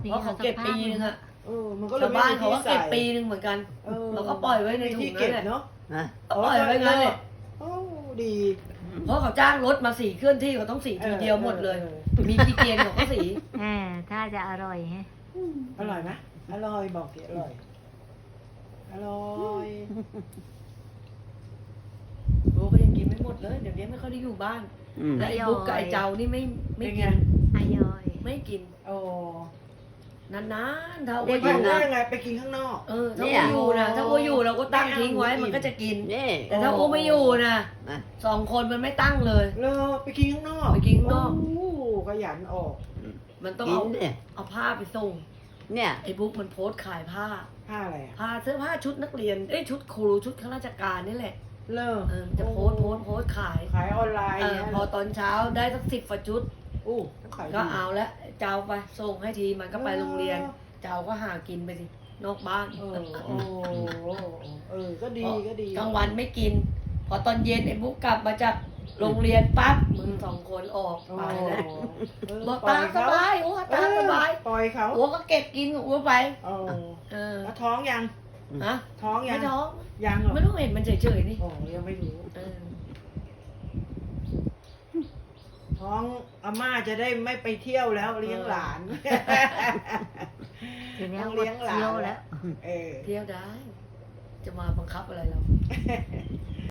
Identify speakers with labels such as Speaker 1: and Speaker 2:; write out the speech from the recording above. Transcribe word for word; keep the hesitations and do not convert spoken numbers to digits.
Speaker 1: เพราะเขาเก็บปีนึงอะ
Speaker 2: เออมันก็เลย
Speaker 1: ชาว
Speaker 2: ไม่
Speaker 1: บ้าน
Speaker 2: มี
Speaker 1: เขา
Speaker 2: ที่
Speaker 1: ก็
Speaker 2: ใส่
Speaker 1: เก็บปีนึงเหมือนกัน
Speaker 2: ออ
Speaker 1: เราก็ปล่อยไว้ในถุง
Speaker 2: ที่
Speaker 1: นั่
Speaker 2: เก็
Speaker 1: น
Speaker 2: บ
Speaker 1: แหละ
Speaker 2: เนาะ
Speaker 3: นะ
Speaker 1: ก็ปล่อยไว้งั้นแหละ
Speaker 2: โอ้ดี
Speaker 1: เพราะเขาจ้างรถมาสีเคลื่อนที่เขาต้องสีทีเดียวหมดเลย
Speaker 2: ออ
Speaker 1: มีกี่เกียนเขาก็สี
Speaker 4: แหมถ้าจะอร่อยฮะ
Speaker 2: อร่อยไหมอร่อยบอกสิอร่อยอร่อย
Speaker 1: โอ้ก็ยังกินไม่หมดเลยเดี๋ยวนี้ไม่ค่อยได้อยู่บ้าน
Speaker 3: อืม
Speaker 1: และไอ้บุ๊กกับไอ้เจ้านี่ไม่ไม่
Speaker 2: เป็น
Speaker 1: กิ
Speaker 2: ไง
Speaker 1: น
Speaker 4: อร่อย
Speaker 1: ไม่กิน
Speaker 2: โอ้
Speaker 1: นานๆถ้า
Speaker 2: ไป
Speaker 1: ว่าอ
Speaker 2: กิน
Speaker 1: ยู่
Speaker 2: ได้
Speaker 1: นะ
Speaker 2: ยังไงไปกินข้างนอก
Speaker 1: เออถ้าว่าอยู่นะถ้าว่าอยู่เราก็ตั้งทิ้งไว้มันก็จะกิน
Speaker 3: นี่
Speaker 1: แต่ถ้าว่าไม่อยู่นะ
Speaker 3: นะ
Speaker 1: สองคนมันไม่ตั้งเลย
Speaker 2: เลอไปกินข้างนอก
Speaker 1: ไปกินข้างนอก
Speaker 2: โอ้ขยันออก
Speaker 1: มันต้อง
Speaker 3: กิ
Speaker 1: เอา
Speaker 3: นเนี่ย
Speaker 1: เอาผ้าไปส่ง
Speaker 3: เนี่ย
Speaker 1: ไอ้บุ๊กมันโพสต์ขายผ้า
Speaker 2: ผ้าอะไรอ่ะ
Speaker 1: ผ้าเสื้อผ้าชุดนักเรียนเอ้ยชุดครูชุดข้าราชการนี่แหละ
Speaker 2: เลอ
Speaker 1: เออจะโพสต์โพสต์โพสต์ขาย
Speaker 2: ขายออนไลน์
Speaker 1: เออ
Speaker 2: เนี่ย
Speaker 1: พอตอนเช้าได้สักสิบฝาชุด
Speaker 2: อู้ขายดี
Speaker 1: ก็เอาแล้วเจ้าไปส่งให้ทีมันก็ไปโรงเรียน เจ้าก็หากินไปสินอกบ้าน
Speaker 2: เออโอ้เออก็ดีก็ดี
Speaker 1: กลางวันไม่กิน พอตอนเย็นไอ้บุ๊กกลับมาจากโรงเรียนปั๊บมึงสองคนออก
Speaker 2: โอ้
Speaker 1: ไปแล้ว
Speaker 2: เออ
Speaker 1: บอก
Speaker 2: ปล่
Speaker 1: ตา
Speaker 2: อย
Speaker 1: มส
Speaker 2: เขา
Speaker 1: บายโอ้ตามสบาย
Speaker 2: ปล่อยเขา
Speaker 1: หัวก็เก็บกินหัวไป
Speaker 2: โอ้
Speaker 1: เออ
Speaker 2: แล้วท้องยัง
Speaker 1: ฮะ
Speaker 2: ท้องยั
Speaker 1: ไม่
Speaker 2: ง
Speaker 1: ท้อง
Speaker 2: ยังเหรอ
Speaker 1: ไม่ต้องเห็นมันเฉยๆนี่
Speaker 2: โอ้ยังไม่รู้
Speaker 1: เออ
Speaker 2: ท้องอาม่าจะได้ไม่ไปเที่ยวแล้วเลี้ยงหลาน
Speaker 4: ทีนี้
Speaker 2: ต้อง
Speaker 4: หม
Speaker 2: เลี้
Speaker 4: ด
Speaker 2: ยงหลาน
Speaker 4: เที่ยวแล้ว
Speaker 2: เออ
Speaker 1: เที่ยวได้ จะมาบังคับอะไรเรา